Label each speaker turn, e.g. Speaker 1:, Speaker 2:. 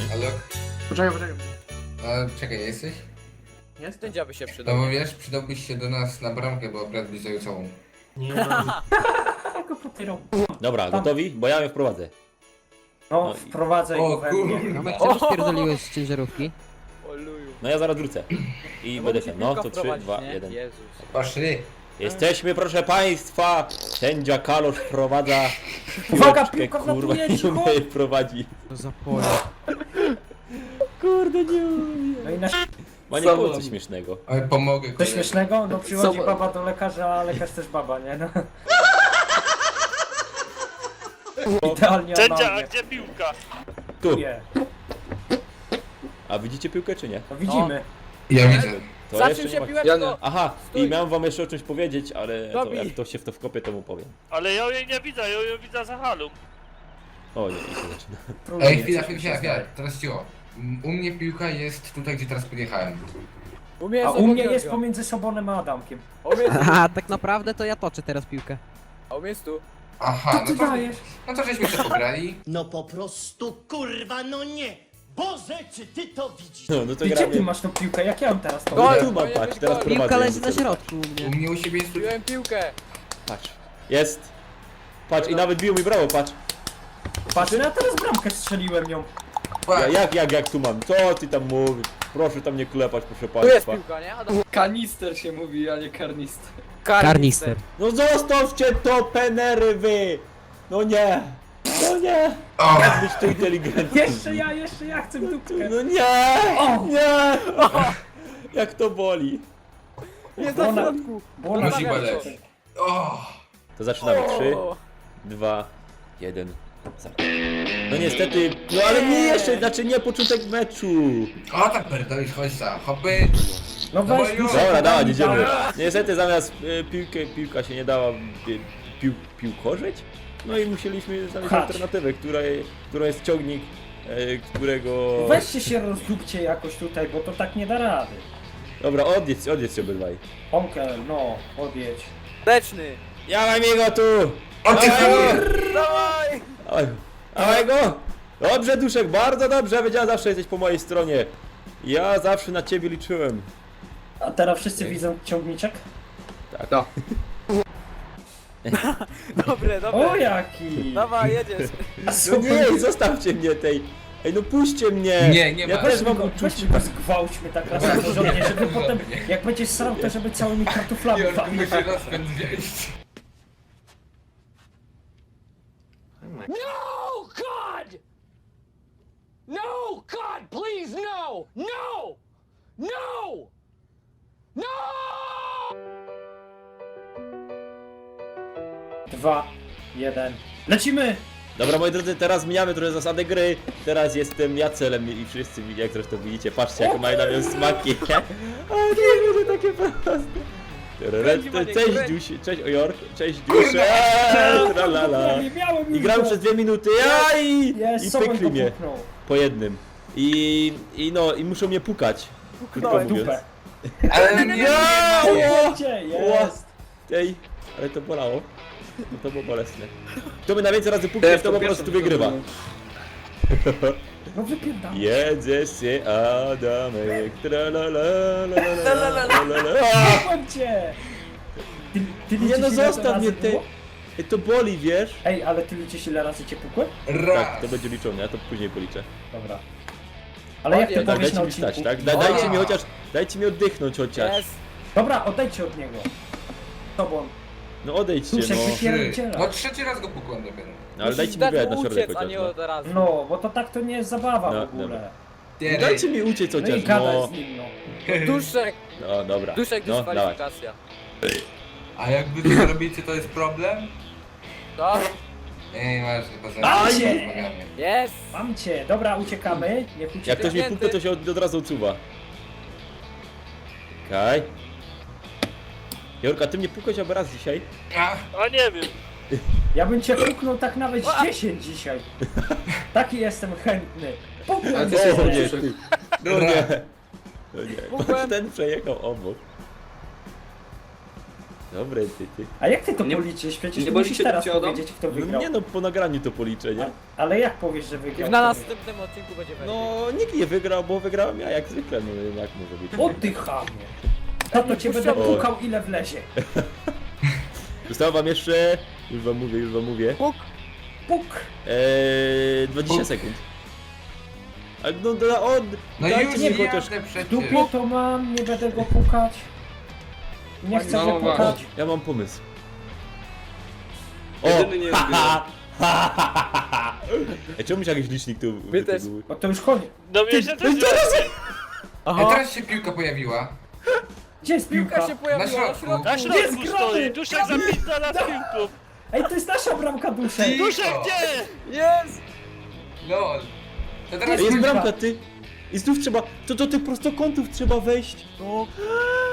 Speaker 1: Ale...
Speaker 2: Poczekaj.
Speaker 1: czekaj, jesteś?
Speaker 2: Jest?
Speaker 3: Ten dziaby się
Speaker 1: No
Speaker 3: przydał.
Speaker 1: bo wiesz, przydałbyś się do nas na bramkę, bo akurat byś zajął całą.
Speaker 4: Nie no.
Speaker 5: Go potyrał.
Speaker 6: Dobra,
Speaker 5: Tam.
Speaker 6: gotowi? Bo ja ją wprowadzę.
Speaker 5: No,
Speaker 6: No i-
Speaker 5: wprowadzaj
Speaker 1: O
Speaker 5: go we mnie.
Speaker 1: kurwa.
Speaker 7: Tomek, czemu spierdoliłeś z ciężarówki?
Speaker 3: O luju.
Speaker 6: No ja zaraz wrócę. I
Speaker 3: No
Speaker 6: będę
Speaker 3: musi
Speaker 6: ten. No
Speaker 3: piłka
Speaker 6: to 3,
Speaker 3: wprowadzić,
Speaker 6: 2,
Speaker 3: nie?
Speaker 6: 1.
Speaker 3: Jezus.
Speaker 1: Poszli.
Speaker 6: Jesteśmy, proszę państwa! Sędzia Kalosz wprowadza.
Speaker 5: Uwaga,
Speaker 6: piłeczkę,
Speaker 5: piłka
Speaker 6: kurwa,
Speaker 5: wlatuje,
Speaker 6: nie
Speaker 5: cicho!
Speaker 6: umie prowadzi.
Speaker 7: To za pole.
Speaker 6: Kurde, nie umie.
Speaker 5: No i na
Speaker 6: Ma nie było coś śmiesznego.
Speaker 1: Ale pomogę
Speaker 5: coś
Speaker 1: koledze.
Speaker 5: śmiesznego? No przychodzi
Speaker 2: Co-
Speaker 5: baba do lekarza, a lekarz też baba, nie? No. Idealnie
Speaker 8: Sędzia, a
Speaker 5: analnie.
Speaker 8: gdzie piłka?
Speaker 6: Tu.
Speaker 5: Nie.
Speaker 6: A widzicie piłkę czy nie?
Speaker 5: No widzimy.
Speaker 1: Ja widzę.
Speaker 6: To
Speaker 3: Zaczął
Speaker 6: jeszcze nie
Speaker 3: się
Speaker 6: ma.
Speaker 3: piłeczko!
Speaker 6: Aha,
Speaker 3: Stój.
Speaker 6: i miałem wam jeszcze o czymś powiedzieć, ale to,
Speaker 3: Dobij.
Speaker 6: jak to się w to wkopie, to mu powiem.
Speaker 8: Ale ja jej nie widzę, ja ją widzę za halą.
Speaker 6: O nie, i się zaczyna.
Speaker 5: Próbuję
Speaker 1: Ej, chwila,
Speaker 5: coś
Speaker 1: chwila,
Speaker 5: przestań.
Speaker 1: teraz cicho. U mnie piłka jest tutaj, gdzie teraz podjechałem.
Speaker 3: U mnie
Speaker 5: A
Speaker 3: jest
Speaker 5: u mnie
Speaker 3: obok
Speaker 5: jest
Speaker 3: Georgia.
Speaker 5: pomiędzy Sobonem a Adamkiem.
Speaker 3: A u mnie jest tu.
Speaker 7: A tak naprawdę to ja toczę teraz piłkę.
Speaker 3: A u mnie jest tu.
Speaker 1: Aha,
Speaker 5: Co ty dajesz?
Speaker 1: no to żeśmy się pograli.
Speaker 4: No po prostu kurwa, no nie! Boże, czy ty to widzisz?
Speaker 6: No to
Speaker 5: Ty gdzie ty
Speaker 6: gramy.
Speaker 5: masz tą piłkę? Jak ja ją teraz to
Speaker 3: Gol!
Speaker 6: Tu mam,
Speaker 3: Powinien
Speaker 6: patrz,
Speaker 3: być
Speaker 6: teraz
Speaker 3: gol.
Speaker 6: prowadzę.
Speaker 7: Piłka leży
Speaker 6: jakby
Speaker 7: na
Speaker 6: co.
Speaker 7: środku u
Speaker 1: U
Speaker 7: mnie.
Speaker 1: mnie u siebie jest tu...
Speaker 3: Piłem piłkę.
Speaker 6: Patrz. Jest. Patrz, i nawet biło mi brawo, patrz.
Speaker 5: Patrz, no ja teraz bramkę strzeliłem ją.
Speaker 6: Jak tu mam? Co ty tam mówisz? Proszę tam nie klepać, proszę
Speaker 3: Tu jest
Speaker 6: państwa.
Speaker 3: piłka, nie? Adam?
Speaker 2: Kanister się mówi, a nie karnister.
Speaker 7: Karnister.
Speaker 6: No zostawcie to, penery wy! No nie! No nie!
Speaker 1: O,
Speaker 6: Jak być tu inteligentny?
Speaker 5: Jeszcze ja chcę dupkę.
Speaker 6: No nie!
Speaker 5: O!
Speaker 6: Nie! Jak to boli.
Speaker 3: Jest
Speaker 5: Bo
Speaker 3: na
Speaker 5: ona-
Speaker 3: środku.
Speaker 5: Bo ona
Speaker 1: musi
Speaker 3: Dobra,
Speaker 1: boleć.
Speaker 3: co?
Speaker 1: O,
Speaker 6: To zaczynamy. 3,
Speaker 3: O.
Speaker 6: 2, 1. No niestety, no ale nie jeszcze, znaczy nie początek meczu.
Speaker 1: o tak pierdolisz, chodź za, hopy.
Speaker 5: No
Speaker 1: No
Speaker 5: weź
Speaker 1: bo
Speaker 5: piłkę.
Speaker 6: Dobra, dawaj,
Speaker 5: podaj,
Speaker 6: idziemy.
Speaker 5: dawaj.
Speaker 6: Niestety zamiast piłka się nie dała piłkorzyć. No i musieliśmy znaleźć
Speaker 5: Pchać.
Speaker 6: alternatywę, którą jest ciągnik, którego...
Speaker 5: Weźcie się rozdupcie jakoś tutaj, bo to tak nie da rady.
Speaker 6: Dobra, odjedź się obydwaj.
Speaker 5: Onkel, no, odjedź.
Speaker 3: Leczny.
Speaker 6: Ja mam jego tu!
Speaker 1: O ty
Speaker 6: Dawaj
Speaker 1: chuj!
Speaker 6: go!
Speaker 3: Dawaj!
Speaker 6: Dawaj go! Dobrze, Duszek, bardzo dobrze, wiedziałem, zawsze jesteś po mojej stronie. Ja zawsze na ciebie liczyłem.
Speaker 5: A teraz wszyscy
Speaker 1: Ej.
Speaker 5: widzą ciągniczek?
Speaker 3: Dobre,
Speaker 5: O
Speaker 3: dobre.
Speaker 5: jaki!
Speaker 3: Dawaj, jedziesz.
Speaker 6: No nie, zostawcie mnie tej. Ej, no puśćcie mnie!
Speaker 1: Nie
Speaker 6: Ja
Speaker 1: ma.
Speaker 6: też mam
Speaker 5: Weźmy
Speaker 6: uczucie.
Speaker 5: go zgwałćmy tak raz na porządnie, żeby potem, jak będzie srał, to żeby całymi kartoflami
Speaker 1: Jorku
Speaker 5: walił.
Speaker 1: musi rozpęd wziąć.
Speaker 9: No, God! No, God, please, no! No! No! No!
Speaker 5: 2, 1. Lecimy!
Speaker 6: Dobra, moi drodzy, teraz zmieniamy trochę zasady gry. Teraz jestem ja celem i wszyscy, jak zresztą widzicie, patrzcie, jakie mają na mnie smaki. O, nie będzie takie proste. Cześć Dziuś, cześć Ojork, cześć Dziuś, tralala.
Speaker 5: Nie miałem
Speaker 6: I
Speaker 5: już
Speaker 6: gram
Speaker 5: go.
Speaker 6: przez 2 minuty, i
Speaker 5: Sobą
Speaker 6: pykli
Speaker 5: go
Speaker 6: mnie
Speaker 5: puknął.
Speaker 6: po jednym. I muszą mnie pukać. Krótko
Speaker 3: Puknąłem.
Speaker 6: mówiąc.
Speaker 5: Dupę.
Speaker 1: Ale nie,
Speaker 5: Gdzie
Speaker 6: Ła.
Speaker 5: jest?
Speaker 6: Ej, ale to bolało. No to było bolesne. Kto by na więcej razy puknie, to po prostu wygrywa.
Speaker 5: No wypierdam.
Speaker 6: Jedzę się Adamek, tralalalalalalala.
Speaker 5: Słucham cię! Ty
Speaker 6: Nie
Speaker 5: liczysz,
Speaker 6: no,
Speaker 5: ile to
Speaker 6: zostaw mnie
Speaker 5: razy
Speaker 6: ty.
Speaker 5: było?
Speaker 6: Ej, to boli, wiesz?
Speaker 5: Ej, ale ty liczysz ile razy cię pukłem?
Speaker 1: raz.
Speaker 6: Tak, to będzie liczone, ja to później policzę.
Speaker 5: Dobra. Ale jak ty
Speaker 3: Tak,
Speaker 6: Tak,
Speaker 5: powiesz na
Speaker 6: dajcie mi
Speaker 5: odcinku?
Speaker 6: stać, tak? Dajcie mi chociaż, dajcie mi oddychnąć chociaż.
Speaker 3: Jest.
Speaker 5: Dobra, odejdźcie od niego. Tobą.
Speaker 6: No odejdźcie,
Speaker 5: Duszek,
Speaker 6: no.
Speaker 5: wypierdziela.
Speaker 1: No trzeci raz go pukłem dopiero.
Speaker 6: No, ale dajcie mi
Speaker 3: Dać
Speaker 6: wyjechać
Speaker 3: mu
Speaker 6: na środek
Speaker 3: uciec, a
Speaker 6: chociaż,
Speaker 3: nie
Speaker 6: no.
Speaker 3: od razu.
Speaker 5: No, bo to tak to nie jest zabawa
Speaker 6: No,
Speaker 5: w ogóle.
Speaker 6: dobra.
Speaker 1: Ty,
Speaker 6: Dajcie mi uciec
Speaker 5: No i
Speaker 6: chociaż,
Speaker 5: gadaj
Speaker 6: no.
Speaker 5: z nim, no.
Speaker 3: Duszek,
Speaker 6: No, dobra.
Speaker 3: duszek
Speaker 6: No, dawaj.
Speaker 3: dyskwalifikacja.
Speaker 1: A jakby to zrobicie, to jest problem?
Speaker 3: To?
Speaker 1: Ej, masz, poza
Speaker 5: Mam
Speaker 1: tym
Speaker 5: cię!
Speaker 1: rozmawiamy.
Speaker 3: Jest.
Speaker 5: Mam cię. Dobra, uciekamy. Niech
Speaker 6: Jak
Speaker 5: ucieka.
Speaker 6: ktoś mnie puknie, to się od razu odsuwa. Okej. Jorka, ty mnie pukałeś albo raz dzisiaj?
Speaker 8: A nie wiem.
Speaker 5: Ja bym cię puknął tak nawet 10 dzisiaj. Taki jestem chętny. Puknę
Speaker 2: Ale ty
Speaker 5: cię.
Speaker 2: jesteś
Speaker 6: O nie,
Speaker 2: Duszek.
Speaker 6: ty. No nie. No nie.
Speaker 3: Pukłem.
Speaker 6: Ten przejechał obok. Dobre, ty.
Speaker 5: A jak ty to
Speaker 2: Nie-
Speaker 5: policzysz? Przecież
Speaker 2: nie
Speaker 5: musisz
Speaker 2: boli cię
Speaker 5: teraz
Speaker 2: Fiodo?
Speaker 5: powiedzieć, kto
Speaker 6: No
Speaker 5: wygrał.
Speaker 6: nie no, po nagraniu to policzę, nie?
Speaker 5: Ale jak powiesz, że
Speaker 3: I
Speaker 5: wygrał?
Speaker 3: na
Speaker 5: kto
Speaker 3: następnym odcinku będzie wersja.
Speaker 6: No, nikt nie wygrał, bo wygrałem ja jak zwykle, no jak może być.
Speaker 5: wygrał? O ty chamie! To cię będę
Speaker 6: puszczamy.
Speaker 5: pukał ile wlezie.
Speaker 6: Zostało wam jeszcze, już wam mówię,
Speaker 3: Puk.
Speaker 5: Puk!
Speaker 6: 20 sekund. Ale no, on,
Speaker 1: No
Speaker 6: dajcie
Speaker 1: już
Speaker 6: mi
Speaker 1: jadę
Speaker 6: chociaż...
Speaker 1: przecież.
Speaker 5: Dupie to mam, nie będę go pukać. Nie chcę
Speaker 2: No
Speaker 5: go
Speaker 2: właśnie.
Speaker 5: pukać.
Speaker 6: Ja mam pomysł.
Speaker 2: Jedyny nie
Speaker 6: ha, ha. Ej, czemu się jakiś licznik tu
Speaker 3: My też.
Speaker 6: wytyguł?
Speaker 5: Bo to już koniec.
Speaker 8: No mnie się też
Speaker 1: Ej, teraz się piłka pojawiła.
Speaker 5: Gdzie jest
Speaker 3: Piłka
Speaker 5: piłka?
Speaker 3: się pojawiła na
Speaker 1: środku.
Speaker 3: środku.
Speaker 8: na
Speaker 5: Jest
Speaker 8: środku
Speaker 5: grany!
Speaker 8: stoi, Duszek zapizda na piłką.
Speaker 5: Ej, to jest nasza bramka duszek!
Speaker 8: Duszek gdzie?
Speaker 3: Jest!
Speaker 1: Lol. To teraz
Speaker 6: Ej, jest
Speaker 5: piłka.
Speaker 6: bramka, ty! I znów trzeba, to do tych prostokątów trzeba wejść.
Speaker 3: No.